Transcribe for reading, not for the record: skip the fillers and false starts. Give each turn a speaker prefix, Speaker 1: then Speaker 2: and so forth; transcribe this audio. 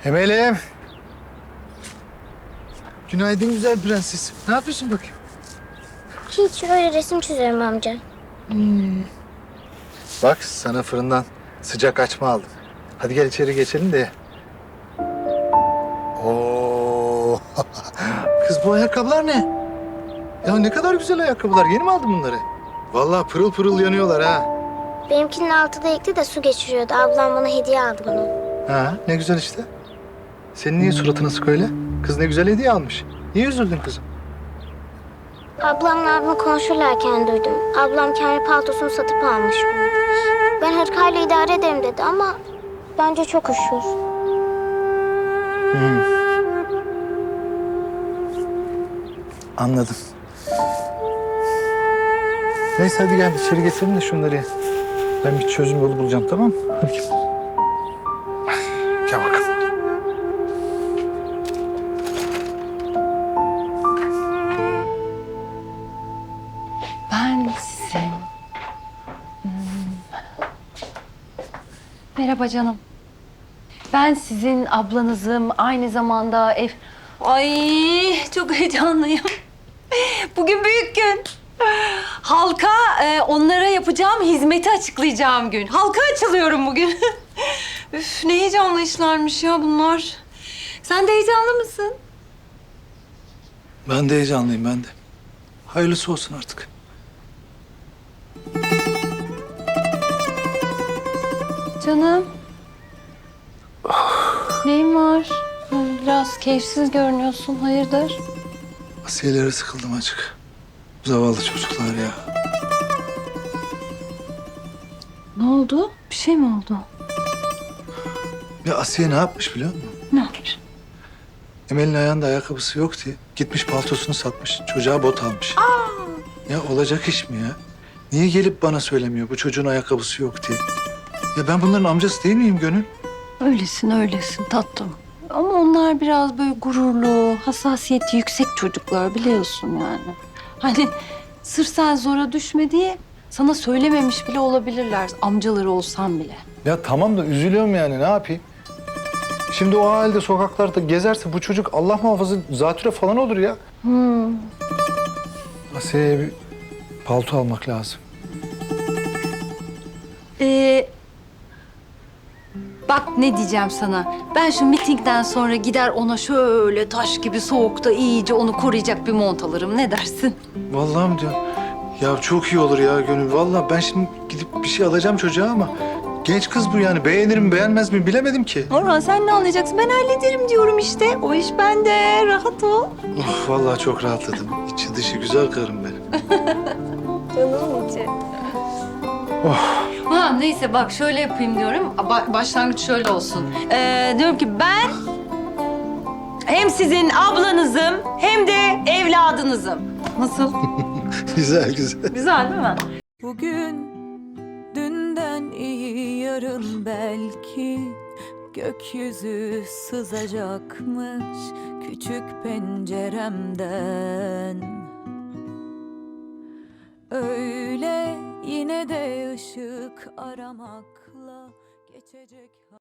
Speaker 1: Emel'im. Günaydın güzel prenses. Ne yapıyorsun bakayım?
Speaker 2: Hiç öyle resim çiziyorum amca.
Speaker 1: Bak sana fırından sıcak açma aldım. Hadi gel içeri geçelim de ye. Oo. Kız bu ayakkabılar ne? Ya ne kadar güzel ayakkabılar. Yeni mi aldın bunları? Vallahi pırıl pırıl yanıyorlar ha.
Speaker 2: Benimkinin altı delikli de su geçiriyordu. Ablam bana hediye aldı bunu.
Speaker 1: Ha ne güzel işte. Senin niye suratın asık öyle? Kız ne güzel hediye almış. Niye üzüldün kızım?
Speaker 2: Ablamla abim konuşurlarken duydum. Ablam kendi paltosunu satıp almış bunu. Ben hırkayla idare ederim dedi ama bence çok üşür.
Speaker 1: Anladım. Neyse hadi gel içeri geçelim de şunları ye. Ben bir çözüm yolu bulacağım, tamam mı? Hadi gel. Gel bakalım.
Speaker 3: Ben sizin... Merhaba canım. Ben sizin ablanızım. Aynı zamanda ev... Ay çok heyecanlıyım. Bugün büyük gün. Halka onlara yapacağım hizmeti açıklayacağım gün. Halka açılıyorum bugün. Üf ne heyecanlı işlermiş ya bunlar. Sen de heyecanlı mısın?
Speaker 1: Ben de heyecanlıyım, ben de. Hayırlısı olsun artık.
Speaker 3: Canım. Neyin var? Biraz keyifsiz görünüyorsun. Hayırdır?
Speaker 1: Asiyelere sıkıldım açık. Zavallı çocuklar ya.
Speaker 3: Ne oldu? Bir şey mi oldu?
Speaker 1: Ya Asiye ne yapmış biliyor musun?
Speaker 3: Ne yapmış?
Speaker 1: Emel'in ayağında ayakkabısı yok diye gitmiş paltosunu satmış. Çocuğa bot almış. Ya olacak iş mi ya? Niye gelip bana söylemiyor bu çocuğun ayakkabısı yok diye? Ya ben bunların amcası değil miyim Gönül?
Speaker 3: Öylesin tatlım. Ama onlar biraz böyle gururlu, hassasiyeti yüksek çocuklar biliyorsun yani. Hani sırf sen zora düşme diye sana söylememiş bile olabilirler amcaları olsan bile.
Speaker 1: Ya tamam da üzülüyorum yani ne yapayım? Şimdi o halde sokaklarda gezerse bu çocuk Allah muhafaza zatüre falan olur ya. Asiye'ye bir palto almak lazım.
Speaker 3: Bak ne diyeceğim sana. Ben şu mitingden sonra gider ona şöyle taş gibi soğukta iyice onu koruyacak bir mont alırım. Ne dersin?
Speaker 1: Vallahi mi diyorsun? Ya çok iyi olur ya Gönül. Vallahi ben şimdi gidip bir şey alacağım çocuğa ama genç kız bu yani. Beğenir mi beğenmez mi bilemedim ki.
Speaker 3: Orhan sen ne anlayacaksın? Ben hallederim diyorum işte. O iş bende. Rahat ol.
Speaker 1: Of vallahi çok rahatladım. İçi dışı güzel karım benim.
Speaker 3: Canım içi. Ha, neyse bak şöyle yapayım diyorum. Başlangıç şöyle olsun. Diyorum ki ben hem sizin ablanızım hem de evladınızım. Nasıl?
Speaker 1: Güzel güzel.
Speaker 3: Güzel değil mi?
Speaker 4: Bugün dünden iyi yarın belki gökyüzü sızacakmış küçük penceremden. Öyle yine de ışık aramakla geçecek.